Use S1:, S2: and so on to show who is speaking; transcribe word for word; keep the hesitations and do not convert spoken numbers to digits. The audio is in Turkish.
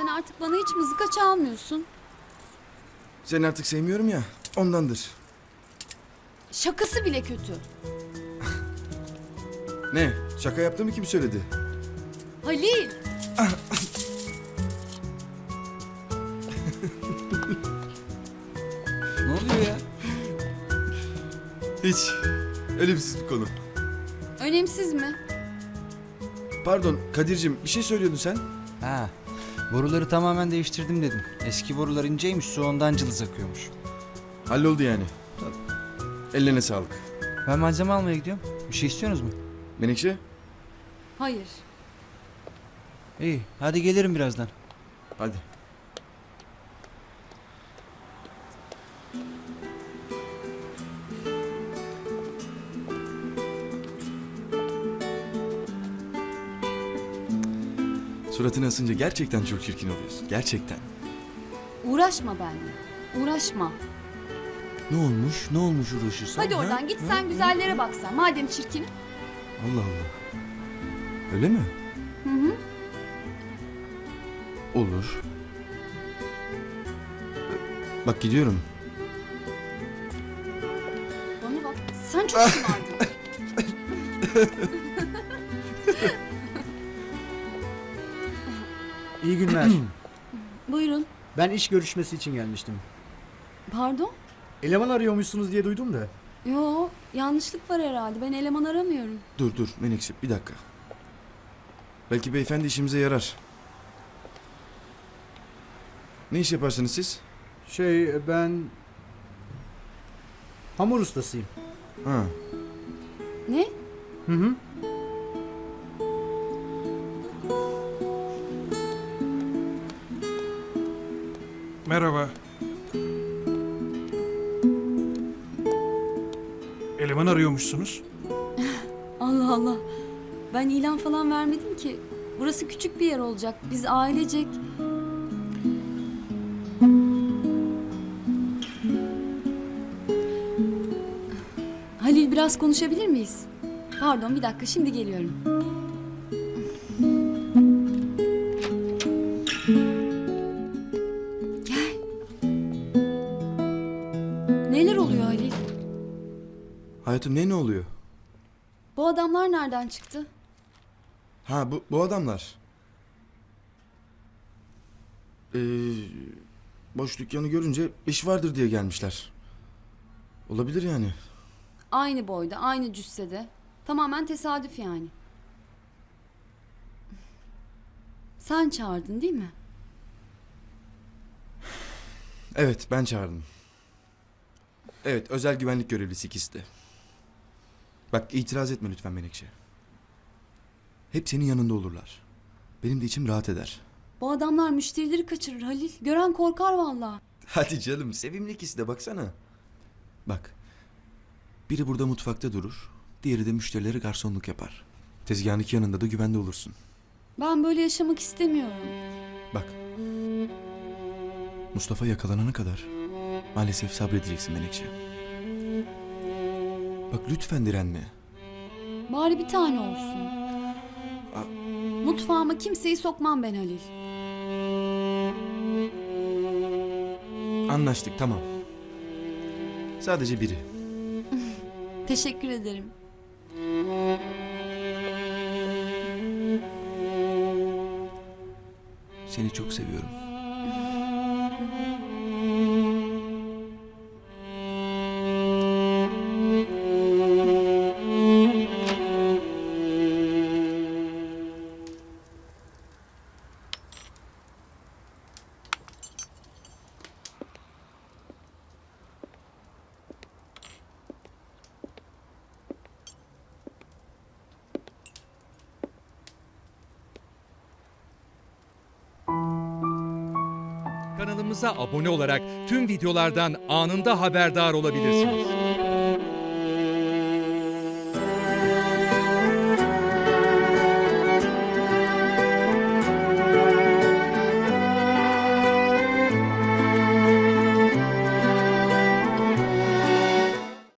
S1: Sen artık bana hiç mızıka çalmıyorsun.
S2: Seni artık sevmiyorum ya, ondandır.
S1: Şakası bile kötü.
S2: Ne? Şaka yaptığımı kim söyledi?
S1: Halil!
S3: Ne oluyor ya?
S2: Hiç. Önemsiz bir konu.
S1: Önemsiz mi?
S2: Pardon Kadir'cim, bir şey söylüyordun sen.
S3: Ha, boruları tamamen değiştirdim dedim. Eski borular inceymiş, su ondan cılız akıyormuş.
S2: Halloldu yani. Ellerine sağlık.
S3: Ben malzeme almaya gidiyorum. Bir şey istiyorsunuz mu?
S2: Menekşe?
S1: Hayır.
S3: İyi, hadi gelirim birazdan.
S2: Hadi. Suratını asınca gerçekten çok çirkin oluyorsun. Gerçekten.
S1: Uğraşma benimle. Uğraşma.
S2: Ne olmuş? Ne olmuş uğraşırsan?
S1: Hadi oradan git sen güzellere bak sen. Madem çirkin.
S2: Allah Allah. Öyle mi?
S1: Hı hı.
S2: Olur. Bak gidiyorum.
S1: Bana bak. Sen çok şımardın.
S4: İyi günler.
S1: Buyurun.
S4: Ben iş görüşmesi için gelmiştim.
S1: Pardon?
S4: Eleman arıyormuşsunuz diye duydum da.
S1: Yo, yanlışlık var herhalde. Ben eleman aramıyorum.
S2: Dur dur Menekşe bir dakika. Belki beyefendi işimize yarar. Ne iş yaparsınız siz?
S4: Şey ben... Hamur ustasıyım.
S2: Ha.
S1: Ne?
S4: Hı hı.
S5: Merhaba. Eleman arıyormuşsunuz.
S1: Allah Allah. Ben ilan falan vermedim ki. Burası küçük bir yer olacak. Biz ailecek... Halil biraz konuşabilir miyiz? Pardon bir dakika şimdi geliyorum. Gel. Neler oluyor Halil?
S2: Hayatım ne ne oluyor?
S1: Bu adamlar nereden çıktı?
S2: Ha bu, bu adamlar. Ee, boş dükkanı görünce iş vardır diye gelmişler. Olabilir yani.
S1: Aynı boyda, aynı cüssede. Tamamen tesadüf yani. Sen çağırdın değil mi?
S2: Evet ben çağırdım. Evet özel güvenlik görevlisi ikisi de. Bak itiraz etme lütfen Menekşe. Hep senin yanında olurlar. Benim de içim rahat eder.
S1: Bu adamlar müşterileri kaçırır Halil. Gören korkar vallahi.
S2: Hadi canım sevimli ikisi de baksana. Bak. Biri burada mutfakta durur. Diğeri de müşterilere garsonluk yapar. Tezgahın iki yanında da güvende olursun.
S1: Ben böyle yaşamak istemiyorum.
S2: Bak. Mustafa yakalanana kadar maalesef sabredeceksin Menekşe. Bak lütfen direnme.
S1: Bari bir tane olsun. Mutfağıma kimseyi sokmam ben Halil.
S2: Anlaştık tamam. Sadece biri.
S1: Teşekkür ederim.
S2: Seni çok seviyorum.
S6: Kanalımıza abone olarak tüm videolardan anında haberdar olabilirsiniz.